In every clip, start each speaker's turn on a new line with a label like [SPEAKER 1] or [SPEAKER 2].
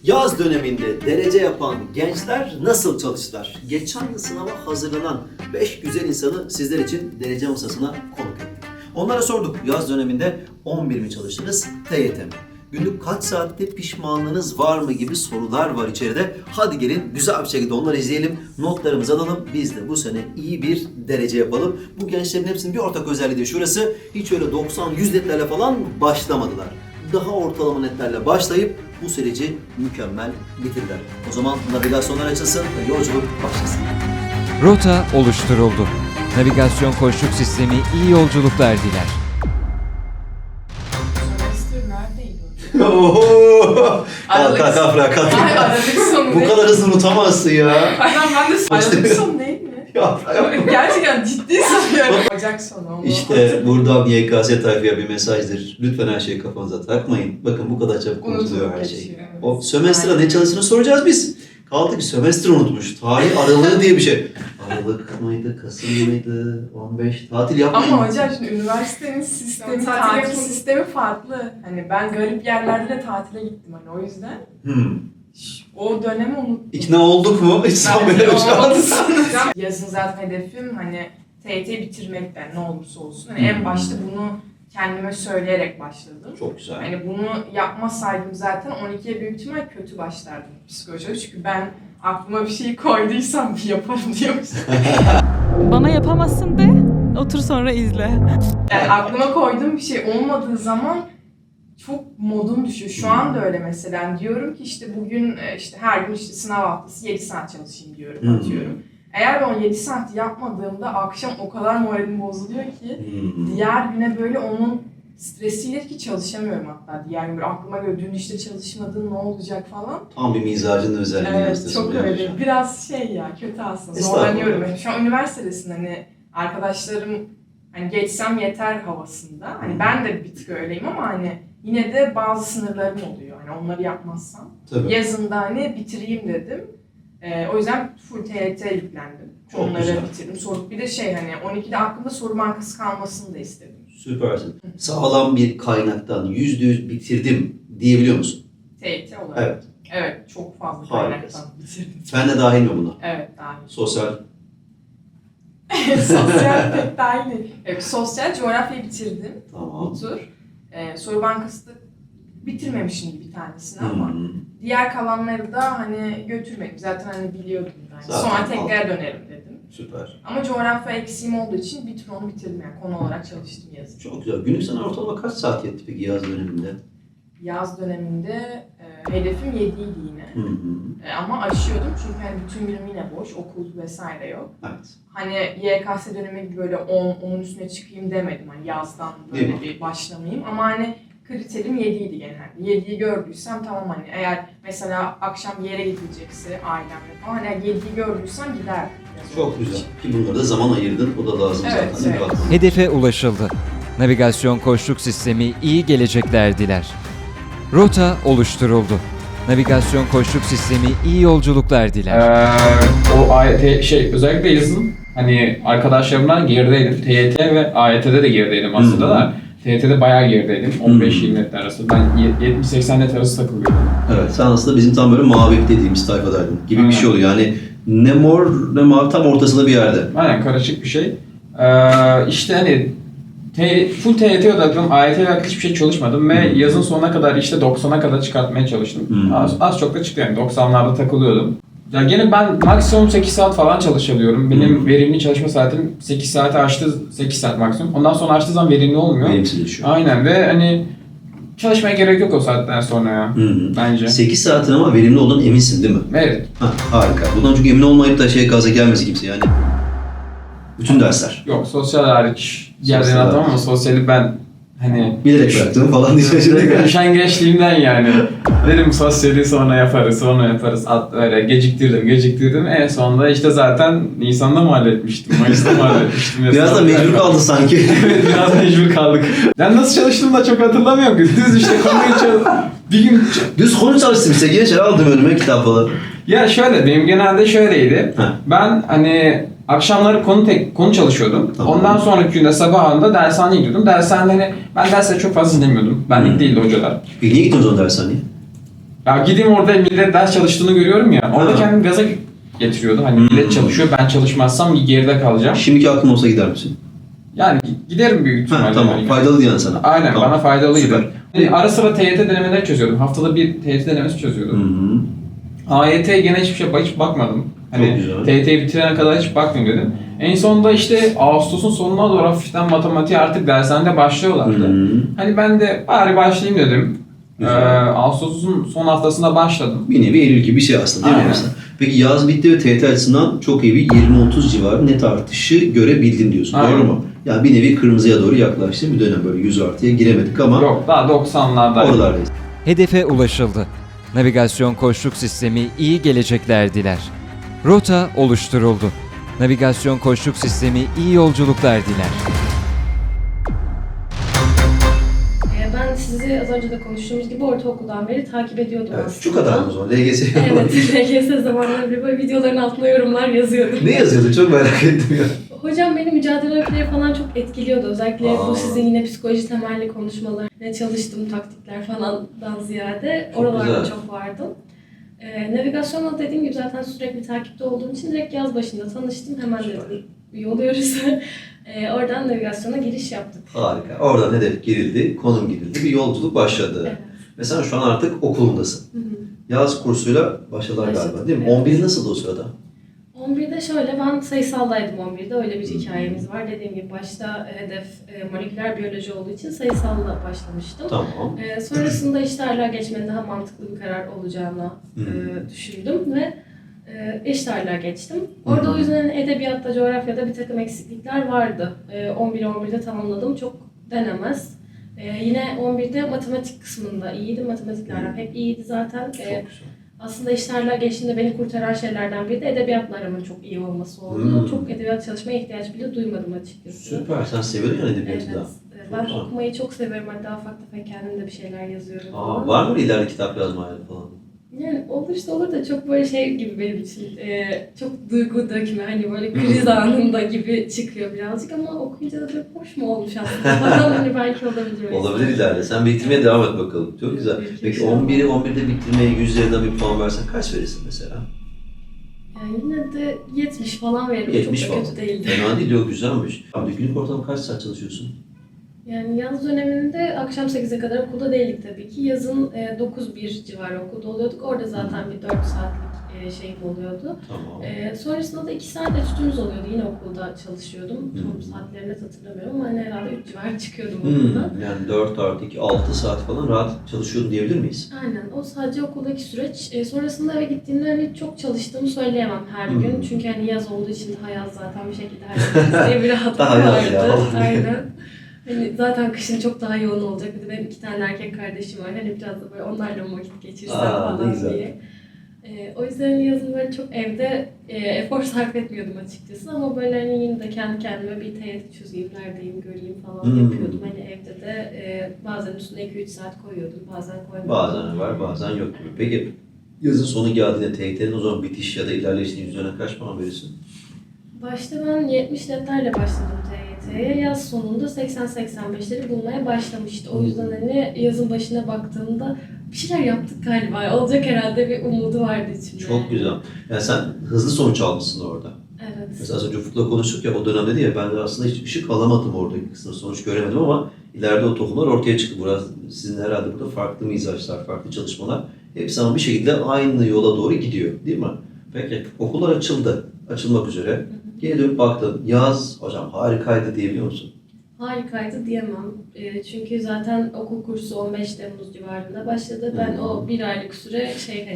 [SPEAKER 1] Yaz döneminde derece yapan gençler nasıl çalıştılar? Geçen yıl sınava hazırlanan 5 güzel insanı sizler için derece masasına konuk ettik. Onlara sorduk, yaz döneminde 11 mi çalıştınız, TYT mi? Günlük kaç saatte pişmanlığınız var mı gibi sorular var içeride. Hadi gelin güzel bir şekilde onları izleyelim, notlarımızı alalım. Biz de bu sene iyi bir derece yapalım. Bu gençlerin hepsinin bir ortak özelliği de şurası. Hiç öyle 90-100 netlerle falan başlamadılar. Daha ortalama netlerle başlayıp bu süreci mükemmel bitirdiler. O zaman navigasyonlar açılsın ve yolculuk başlasın.
[SPEAKER 2] Rota oluşturuldu. Navigasyon koçluk sistemi iyi yolculuklar diler.
[SPEAKER 3] Sömestr neredeydi?
[SPEAKER 1] Oho!
[SPEAKER 3] Aralık.
[SPEAKER 1] Kalk.
[SPEAKER 3] Ay, Aralık sonu
[SPEAKER 1] Bu
[SPEAKER 3] değil.
[SPEAKER 1] kadar hızlı unutamazsın ya.
[SPEAKER 3] Aynen ben de Aralık sonu değil mi?
[SPEAKER 1] Ya,
[SPEAKER 3] Gerçekten ciddi sanıyorum. Ocak sonu onu.
[SPEAKER 1] İşte buradan YKS tayfaya bir mesajdır. Lütfen her şeyi kafanıza takmayın. Bakın bu kadar çabuk unutuluyor her şey.
[SPEAKER 3] Geçiyor, evet.
[SPEAKER 1] O sömestra ne çalıştığını soracağız biz. Kaldı ki sömestr unutmuş. Tarih aralığı diye bir şey. Aralık mıydı, Kasım mıydı, 15 tatil yapmayın.
[SPEAKER 3] Ama hocam şimdi üniversitenin sistemi, tatil sistemi farklı. Hani ben garip yerlerde de tatile gittim hani o yüzden. O dönemi unuttum.
[SPEAKER 1] İkna olduk mu? Hiç sanmıyorum şu an.
[SPEAKER 3] Yazın zaten hedefim hani TYT bitirmekten ne olursa olsun. Hani en başta bunu kendime söyleyerek başladım.
[SPEAKER 1] Çok güzel.
[SPEAKER 3] Hani bunu yapmasaydım zaten 12'ye büyük ihtimal kötü başlardım psikolojiye. Çünkü ben aklıma bir şey koyduysam bir yaparım diyormuşum.
[SPEAKER 4] Bana yapamazsın de, otur sonra izle.
[SPEAKER 3] Yani aklıma koyduğum bir şey olmadığı zaman çok modum düşüyor. Şu anda öyle mesela. Yani diyorum ki işte bugün işte her gün işte sınav haftası 7 saat çalışayım diyorum, atıyorum. Eğer ben o 7 saati yapmadığımda akşam o kadar moralim bozuluyor ki diğer güne böyle onun stresiyle ki çalışamıyorum hatta. Diğer gün böyle aklıma göre dün işte çalışmadın ne olacak falan.
[SPEAKER 1] Tam bir mizacın özelliği.
[SPEAKER 3] Evet çok öyle. Biraz şey ya kötü aslında. Zorlanıyorum. Yani şu an üniversitedesin hani arkadaşlarım hani geçsem yeter havasında. Hani ben de bir tık öyleyim ama hani yine de bazı sınırlarım oluyor. Hani onları yapmazsam.
[SPEAKER 1] Tabii.
[SPEAKER 3] Yazında hani bitireyim dedim. O yüzden full TYT yüklendim.
[SPEAKER 1] Çok
[SPEAKER 3] Onları
[SPEAKER 1] güzel.
[SPEAKER 3] bitirdim. Soru bir de şey hani 12'de aklımda soru bankası kalmasını da istedim.
[SPEAKER 1] Süpersin. Sağlam bir kaynaktan %100 bitirdim diyebiliyor musun?
[SPEAKER 3] TYT olarak.
[SPEAKER 1] Evet.
[SPEAKER 3] Evet, çok fazla
[SPEAKER 1] Harikasın.
[SPEAKER 3] kaynaktan bitirdim.
[SPEAKER 1] Ben de dahil mi buna?
[SPEAKER 3] Evet, dahil.
[SPEAKER 1] Sosyal.
[SPEAKER 3] Sosyal pek dahil değil. Evet, sosyal coğrafyayı bitirdim.
[SPEAKER 1] Tamam.
[SPEAKER 3] Bu tur. Soru bankası da bitirmemişim bir tanesini ama
[SPEAKER 1] Hmm.
[SPEAKER 3] diğer kalanları da hani götürmedim. Zaten hani biliyordum yani.
[SPEAKER 1] Zaten
[SPEAKER 3] Sonra tekrar dönerim dedim.
[SPEAKER 1] Süper.
[SPEAKER 3] Ama coğrafya eksiğim olduğu için bir tur onu bitirdim yani konu olarak çalıştım yazın.
[SPEAKER 1] Çok güzel. Günlük sana ortalama kaç saat yetti peki yaz döneminde?
[SPEAKER 3] Yaz döneminde hedefim 7'ydi yine. Ama aşıyordum çünkü hani bütün günüm yine boş, okul vesaire yok.
[SPEAKER 1] Evet.
[SPEAKER 3] Hani YKS dönemi gibi böyle 10'un üstüne çıkayım demedim hani yazdan
[SPEAKER 1] Değil
[SPEAKER 3] böyle bir başlamayayım ama hani kriterim 7'ydi genelde. 7'yi gördüysem tamam hani eğer mesela akşam bir yere gidilecekse ailemle falan hani 7'yi gördüysem giderdim.
[SPEAKER 1] Çok güzel. Ki bunları da zaman ayırdın. O da lazım
[SPEAKER 3] Evet,
[SPEAKER 1] zaten.
[SPEAKER 3] evet.
[SPEAKER 1] Bakma.
[SPEAKER 2] Hedefe ulaşıldı. Navigasyon koçluk sistemi iyi gelecekler diler. Rota oluşturuldu. Navigasyon koçluk sistemi iyi yolculuklar diler.
[SPEAKER 5] O AYT özellikle yazın hani arkadaşlarımdan gerideydim. TYT ve AYT'de de gerideydim aslında da. TYT'de bayağı gerideydim. 15-20 net arası. Ben 70-80 net arası takılıyordum.
[SPEAKER 1] Evet. Sen aslında bizim tam böyle mavi dediğimiz tayfadaydın gibi bir
[SPEAKER 5] Aynen.
[SPEAKER 1] şey oluyor. Yani ne mor ne mavi tam ortasında bir yerde.
[SPEAKER 5] Aynen karışık bir şey. İşte hani full TYT odaklıyım. AYT ile hiçbir şey çalışmadım ve yazın sonuna kadar işte 90'a kadar çıkartmaya çalıştım. Az çok da çıktı yani 90'larda takılıyordum. Ya gene ben maksimum 8 saat falan çalışabiliyorum. Benim verimli çalışma saatim 8 saate aştı, 8 saat maksimum. Ondan sonra açtığı zaman verimli olmuyor.
[SPEAKER 1] Verimsizleşiyor.
[SPEAKER 5] Aynen ve hani çalışmaya gerek yok o saatten sonra ya bence.
[SPEAKER 1] 8 saatin ama verimli olduğundan eminsin değil mi?
[SPEAKER 5] Evet.
[SPEAKER 1] Ha, harika. Bundan çok emin olmayıp da gaza gelmesi kimse yani. Bütün dersler.
[SPEAKER 5] Yok sosyal hariç diğerlerini
[SPEAKER 1] Sosyal
[SPEAKER 5] atamam ama
[SPEAKER 1] hariç.
[SPEAKER 5] sosyali ben hani
[SPEAKER 1] Bilerek bıraktım falan diyeceğim.
[SPEAKER 5] üşengeçliğimden yani. Dedim sosyali sonra yaparız. Öyle geciktirdim. En sonunda işte zaten Nisan'da mı halletmiştim, Mayıs'ta mı halletmiştim?
[SPEAKER 1] Biraz da mecbur kaldın sanki.
[SPEAKER 5] Evet biraz mecbur kaldık. Ben nasıl çalıştığımı da çok hatırlamıyorum ki. Düz işte konuyu bir gün...
[SPEAKER 1] Düz konu çalıştım işte. Gençler aldım önüme kitap falan.
[SPEAKER 5] Ya şöyle benim genelde şöyleydi.
[SPEAKER 1] Ha.
[SPEAKER 5] Ben hani akşamları konu çalışıyordum.
[SPEAKER 1] Tamam.
[SPEAKER 5] Ondan sonraki günde sabahında dershaneye gidiyordum. Ben dersleri çok fazla dinlemiyordum. Benlik değildi hocalar.
[SPEAKER 1] Niye gittin o zaman dershaneye?
[SPEAKER 5] Ya gideyim orada millet ders çalıştığını görüyorum ya. Orada kendimi gaza getiriyordu. Hani millet çalışıyor, ben çalışmazsam geride kalacağım.
[SPEAKER 1] Şimdiki aklın olsa gider misin?
[SPEAKER 5] Yani giderim büyük ihtimalle.
[SPEAKER 1] Tamam.
[SPEAKER 5] Yani.
[SPEAKER 1] Faydalı yani sana.
[SPEAKER 5] Aynen,
[SPEAKER 1] Tamam.
[SPEAKER 5] bana faydalıydı.
[SPEAKER 1] Süper.
[SPEAKER 5] Yani ara sıra TYT denemeleri çözüyordum. Haftada bir TYT denemesi çözüyordum. AYT'ye gene hiçbir şey hiç bakmadım. Hani TYT'yi bitirene kadar hiç bakmayayım dedim. En sonunda işte Ağustos'un sonuna doğru hafiften matematiğe artık dershanede başlıyorlardı. Hani ben de bari başlayayım dedim. Ağustos'un son haftasında başladım.
[SPEAKER 1] Bir nevi Eylül gibi bir şey aslında değil mi?
[SPEAKER 5] Aynen.
[SPEAKER 1] Mesela? Peki yaz bitti ve TYT açısından çok iyi bir 20-30 civarı net artışı görebildim diyorsun.
[SPEAKER 5] Aynen.
[SPEAKER 1] Doğru mu? Yani bir nevi kırmızıya doğru yaklaştı. Bir dönem böyle 100 artıya giremedik ama
[SPEAKER 5] Yok, daha 90'larda.
[SPEAKER 1] oralardayız.
[SPEAKER 2] Hedefe ulaşıldı. Navigasyon koçluk sistemi iyi gelecekler diler. Rota oluşturuldu. Navigasyon koçluk sistemi iyi yolculuklar diler.
[SPEAKER 6] Ben sizi az önce de konuştuğumuz gibi ortaokuldan beri takip ediyordum
[SPEAKER 1] Evet,
[SPEAKER 6] aslında.
[SPEAKER 1] şu kadar mı o zaman? LGS
[SPEAKER 6] Evet, LGS zamanları bile böyle videoların altına yorumlar yazıyordum.
[SPEAKER 1] Ne yazıyordu? Çok merak ettim ya.
[SPEAKER 6] Hocam beni mücadele öyküleri falan çok etkiliyordu. Özellikle
[SPEAKER 1] Aa.
[SPEAKER 6] bu sizin yine psikoloji temelli konuşmalar, ne çalıştığım taktikler falandan ziyade
[SPEAKER 1] Çok
[SPEAKER 6] oralarda
[SPEAKER 1] güzel.
[SPEAKER 6] çok vardım. Navigasyonla dediğim gibi zaten sürekli takipte olduğum için direkt yaz başında tanıştım. Hemen dedim üye oluyoruz. Oradan navigasyona giriş yaptık.
[SPEAKER 1] Harika. Oradan hedef girildi, konum girildi, bir yolculuk başladı.
[SPEAKER 6] Evet.
[SPEAKER 1] Ve sen şu an artık okulundasın.
[SPEAKER 6] Hı hı.
[SPEAKER 1] Yaz kursuyla başladılar
[SPEAKER 6] Başladık,
[SPEAKER 1] galiba değil mi?
[SPEAKER 6] evet.
[SPEAKER 1] 11 nasıldı o sırada?
[SPEAKER 6] 11'de şöyle, ben sayısaldaydım 11'de. Öyle bir hikayemiz var. Dediğim gibi başta hedef moleküler biyoloji olduğu için sayısalla başlamıştım.
[SPEAKER 1] Tamam.
[SPEAKER 6] Sonrasında eşit ağırlığa geçmenin daha mantıklı bir karar olacağını düşündüm ve eşit ağırlığa geçtim. Orada o yüzden edebiyatta, coğrafyada bir takım eksiklikler vardı. 11'de tamamladım. Çok denemez. Yine 11'de matematik kısmında iyiydim. Matematikle aram hep iyiydi zaten.
[SPEAKER 1] Çok güzel.
[SPEAKER 6] Aslında eşit ağırlığa geçtiğinde beni kurtaran şeylerden biri de edebiyatla aramın çok iyi olması oldu. Çok edebiyat çalışmaya ihtiyaç bile duymadım açıkçası.
[SPEAKER 1] Süper. Sen seviyorsun yani edebiyatı
[SPEAKER 6] Evet.
[SPEAKER 1] da.
[SPEAKER 6] Ben
[SPEAKER 1] Çok
[SPEAKER 6] okumayı çok severim. Hatta ufak tefek kendim de bir şeyler yazıyorum.
[SPEAKER 1] Aa, var mı ileride kitap yazma hayali falan?
[SPEAKER 6] Yani olursa olur da çok böyle şey gibi benim için. Çok duygu dökme, hani böyle kriz anında gibi çıkıyor birazcık ama okuyunca da böyle hoş mu olmuş aslında falan, hani belki olabilir.
[SPEAKER 1] Olabilir ileride. Sen bitirmeye devam et bakalım. Çok güzel. Peki 11'de bitirmeye 100 üzerinden bir puan versen kaç verirsin mesela?
[SPEAKER 6] Yani yine de 70 falan veririm.
[SPEAKER 1] 70
[SPEAKER 6] çok da
[SPEAKER 1] falan.
[SPEAKER 6] kötü değildi.
[SPEAKER 1] Fena değil, yok güzelmiş. Abi günlük ortalama kaç saat çalışıyorsun?
[SPEAKER 6] Yani yaz döneminde akşam 8'e kadar okulda değildik tabii ki. Yazın 9-1 civarı okulda oluyorduk. Orada zaten bir 4 saatlik şeyim oluyordu.
[SPEAKER 1] Tamam.
[SPEAKER 6] Sonrasında da 2 saat etütümüz oluyordu. Yine okulda çalışıyordum. Tam saatlerini net hatırlamıyorum ama hani herhalde 3 civarı çıkıyordum okuldan.
[SPEAKER 1] Yani 4 artı 2, 6 saat falan rahat çalışıyordun diyebilir miyiz?
[SPEAKER 6] Aynen. O sadece okuldaki süreç. Sonrasında eve gittiğimde hani çok çalıştığımı söyleyemem her gün. Çünkü hani yaz olduğu için daha yaz zaten bir şekilde halletmek diye bir rahatlık
[SPEAKER 1] Daha yaz ya,
[SPEAKER 6] vardı.
[SPEAKER 1] vallahi.
[SPEAKER 6] Aynen. Hani zaten kışın çok daha yoğun olacak. Bir de benim 2 tane erkek kardeşim var. Hani biraz da böyle onlarla mı vakit geçirsem
[SPEAKER 1] Aa, ne
[SPEAKER 6] falan
[SPEAKER 1] güzel.
[SPEAKER 6] diye. O yüzden yazın böyle çok evde efor sarf etmiyordum açıkçası ama böyle hani yine de kendi kendime bir TYT çözeyim, neredeyim, göreyim falan yapıyordum. Hani evde de bazen üstüne 2-3 saat koyuyordum, bazen koymuyordum.
[SPEAKER 1] Bazen var, bazen yok gibi. Peki yazın sonu geldiğinde TYT'nin o zaman bitiş ya da ilerleyişinin üzerine kaç puan verirsin?
[SPEAKER 6] Başta ben 70 netlerle başladım TYT'ye. Yaz sonunda 80-85'leri bulmaya başlamıştı. O yüzden hani yazın başına baktığımda bir şeyler yaptık galiba. Olacak herhalde bir umudu vardı içimde.
[SPEAKER 1] Çok güzel. Yani sen hızlı sonuç almışsın orada.
[SPEAKER 6] Evet.
[SPEAKER 1] Mesela az önce Ufuk'la konuştuk ya, o dönemde dedi ya, ben de aslında hiç ışık alamadım oradaki kısımda, sonuç göremedim ama ileride o tohumlar ortaya çıktı. Biraz sizin herhalde burada farklı mizaçlar, farklı çalışmalar hepsi ama bir şekilde aynı yola doğru gidiyor değil mi? Peki okullar açıldı, açılmak üzere. Geri dönüp baktın, yaz hocam harikaydı diyebiliyor musun?
[SPEAKER 6] Harikaydı diyemem. Çünkü zaten okul kursu 15 Temmuz civarında başladı. Ben o bir aylık süre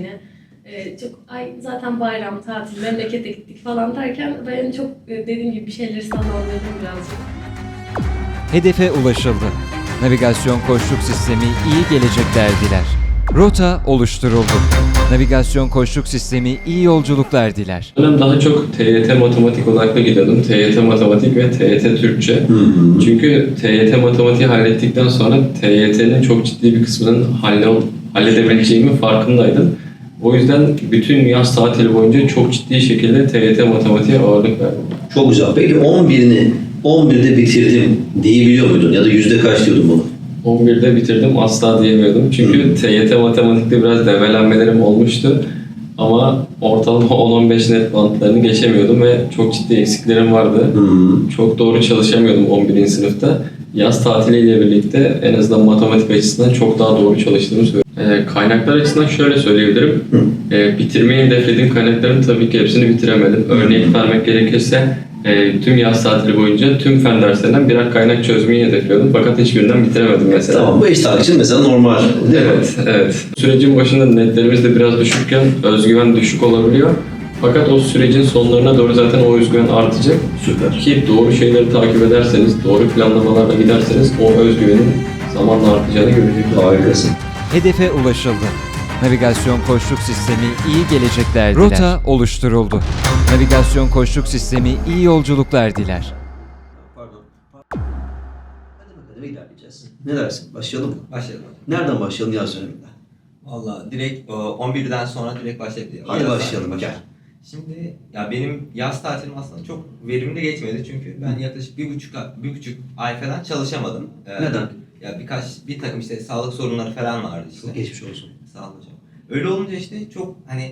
[SPEAKER 6] çok zaten bayram, tatil, memlekete gittik falan derken ben çok dediğim gibi bir şeyleri sallandırdım birazcık.
[SPEAKER 2] Hedefe ulaşıldı. Navigasyon koçluk sistemi iyi gelecekler diler. Rota oluşturuldu. Navigasyon koçluk sistemi iyi yolculuklar diler.
[SPEAKER 7] Ben daha çok TYT matematik odaklı gidiyordum. TYT matematik ve TYT Türkçe. Çünkü TYT matematiği hallettikten sonra TYT'nin çok ciddi bir kısmının halledebileceğimin farkındaydım. O yüzden bütün yaz tatili boyunca çok ciddi şekilde TYT matematiğe ağırlık verdim.
[SPEAKER 1] Çok güzel. Peki 11'de bitirdim diyebiliyor muydun? Ya da yüzde kaç diyordun bunu?
[SPEAKER 7] 11'de bitirdim asla diyemiyordum. Çünkü TYT matematikte biraz develenmelerim olmuştu. Ama ortalama 10-15 net bantlarını geçemiyordum ve çok ciddi eksiklerim vardı. Çok doğru çalışamıyordum 11. sınıfta. Yaz tatiliyle birlikte en azından matematik açısından çok daha doğru çalıştığımı söylüyorum. Kaynaklar açısından şöyle söyleyebilirim. Bitirmeyi hedeflediğim kaynakların tabii ki hepsini bitiremedim. Örnek vermek gerekirse tüm yaz tatili boyunca tüm fen derslerinden birer kaynak çözmeyi hedefliyordum. Fakat hiçbirinden bitiremedim mesela.
[SPEAKER 1] Tamam, bu eşit ağırlık için mesela normal değil mi?
[SPEAKER 7] Evet. Sürecin başında netlerimiz de biraz düşükken özgüven düşük olabiliyor. Fakat o sürecin sonlarına doğru zaten o özgüven artacak.
[SPEAKER 1] Süper.
[SPEAKER 7] Ki doğru şeyleri takip ederseniz, doğru planlamalarla giderseniz o özgüvenin zamanla artacağını göreceksiniz.
[SPEAKER 1] Harikasın.
[SPEAKER 2] Hedefe ulaşıldı. Navigasyon koçluk sistemi iyi gelecekler diler. Rota oluşturuldu. Navigasyon koçluk sistemi iyi yolculuklar diler.
[SPEAKER 1] Pardon. Hadi bakalım ilerleyeceğiz. Ne dersin? Başlayalım mı?
[SPEAKER 8] Başlayalım hocam.
[SPEAKER 1] Nereden başlayalım yaz döneminde?
[SPEAKER 8] Valla direkt 11'den sonra direkt başlayabiliriz.
[SPEAKER 1] Hadi
[SPEAKER 8] Yaz
[SPEAKER 1] başlayalım,
[SPEAKER 8] tatili
[SPEAKER 1] gel.
[SPEAKER 8] Şimdi ya benim yaz tatilim aslında çok verimli geçmedi çünkü ben yaklaşık bir buçuk ay falan çalışamadım.
[SPEAKER 1] Neden?
[SPEAKER 8] Ya bir takım işte sağlık sorunları falan vardı işte.
[SPEAKER 1] Çok geçmiş olsun.
[SPEAKER 8] Sağ olun hocam. Öyle olunca işte çok hani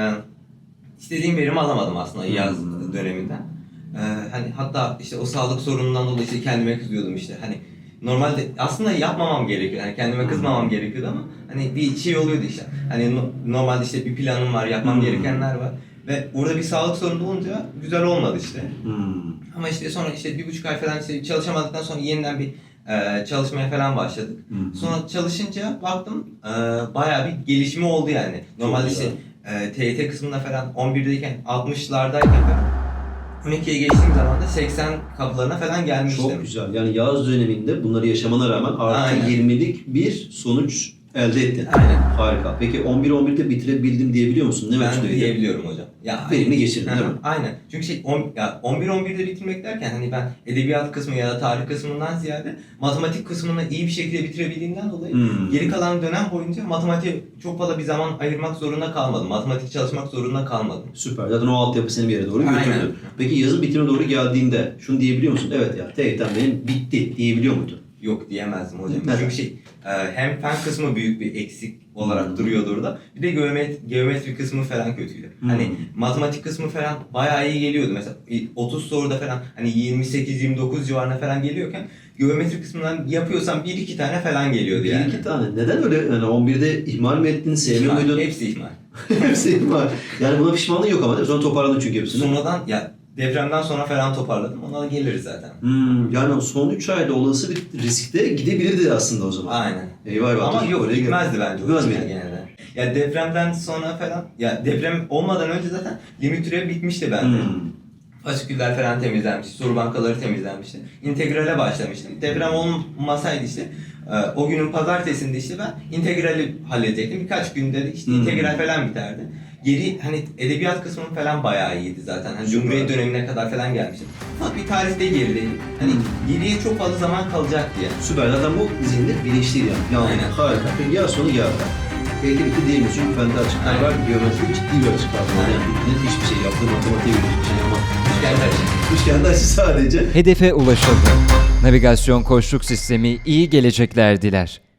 [SPEAKER 8] istediğim verimi alamadım aslında yaz döneminden. Hani hatta işte o sağlık sorunundan dolayı işte kendime kızıyordum işte hani normalde aslında yapmamam gerekiyor. Yani kendime kızmamam gerekiyordu ama hani bir şey oluyordu işte. Hani normalde işte bir planım var, yapmam gerekenler var. Ve orada bir sağlık sorunu olunca güzel olmadı işte. Ama işte sonra işte bir buçuk ay falan işte çalışamadıktan sonra yeniden bir çalışmaya falan başladık. Sonra çalışınca baktım bayağı bir gelişme oldu yani. Normalde işte TYT kısmında falan 11'deyken 60'lardayken falan 12'ye geçtiğim zaman da 80 kapılarına falan gelmiştim.
[SPEAKER 1] Çok güzel. Yani yaz döneminde bunları yaşamana rağmen artı
[SPEAKER 8] Aynen.
[SPEAKER 1] 20'lik bir sonuç elde ettin.
[SPEAKER 8] Aynen.
[SPEAKER 1] Harika. Peki 11'de bitirebildim diyebiliyor musun? Ne
[SPEAKER 8] Ben
[SPEAKER 1] ölçüdeydi?
[SPEAKER 8] diyebiliyorum hocam. Ya
[SPEAKER 1] Verimli geçirdin değil mi?
[SPEAKER 8] Aynen. Çünkü 11'de bitirmek derken hani ben edebiyat kısmı ya da tarih kısmından ziyade matematik kısmını iyi bir şekilde bitirebildiğimden dolayı geri kalan dönem boyunca matematiğe çok fazla bir zaman ayırmak zorunda kalmadım. Matematik çalışmak zorunda kalmadım.
[SPEAKER 1] Süper. Zaten o altyapı seni bir yere doğru
[SPEAKER 8] Aynen.
[SPEAKER 1] götürdü. Peki yazın bitimine doğru geldiğinde şunu diyebiliyor musun? Evet ya TYT'm benim bitti diyebiliyor muydun?
[SPEAKER 8] Yok diyemezdim hocam.
[SPEAKER 1] Neden?
[SPEAKER 8] Çünkü hem fen kısmı büyük bir eksik olarak duruyordu orada. Bir de geometri kısmı falan kötüydü. Hani matematik kısmı falan bayağı iyi geliyordu. Mesela 30 soruda falan hani 28-29 civarına falan geliyorken geometri kısmından yapıyorsam 1-2 tane falan geliyordu yani.
[SPEAKER 1] 1-2 tane. Neden öyle? Yani 11'de ihmal mi ettin, sevmiyor muydun?
[SPEAKER 8] Hepsi ihmal.
[SPEAKER 1] Hepsi ihmal. Yani buna pişmanlığın yok ama değil mi? Sonra toparladın çünkü hepsini.
[SPEAKER 8] Sonradan ya depremden sonra falan toparladım. Ona da geliriz zaten.
[SPEAKER 1] Yani son 3 ayda olası bir riskte gidebilirdi aslında o zaman.
[SPEAKER 8] Aynen.
[SPEAKER 1] Eyvah eyvah.
[SPEAKER 8] Ama yok
[SPEAKER 1] Oraya
[SPEAKER 8] gitmezdi bence.
[SPEAKER 1] Gitmez
[SPEAKER 8] hocam
[SPEAKER 1] miydi?
[SPEAKER 8] genelde. Ya depremden sonra falan ya deprem olmadan önce zaten limit türevi bitmişti bende. Fasiküller falan temizlenmişti, soru bankaları temizlenmişti. İntegrale başlamıştım. Deprem olmasaydı işte o günün pazartesinde işte ben integrali halledecektim. Birkaç günde de işte integral falan biterdi. Geri hani edebiyat kısmım falan bayağı iyiydi zaten. Hani Cumhuriyet dönemine kadar falan gelmiştim. Fakat bir tarihte gerideydim. Hani geriye çok fazla zaman kalacak diye.
[SPEAKER 1] Süper. Zaten bu zihinde bilinçliydi yani. Yani
[SPEAKER 8] Aynen.
[SPEAKER 1] harika. Peki yaz sonu geldi. TYT bitti diyemiyoruz çünkü fende açıklar var. Geometri ciddi bir açıklar var. Yani net hiçbir şey yaptığı matematiğe göre hiçbir şey ama üçgende açı sadece.
[SPEAKER 2] Hedefe ulaşıldı. Navigasyon koçluk sistemi iyi gelecekler diler.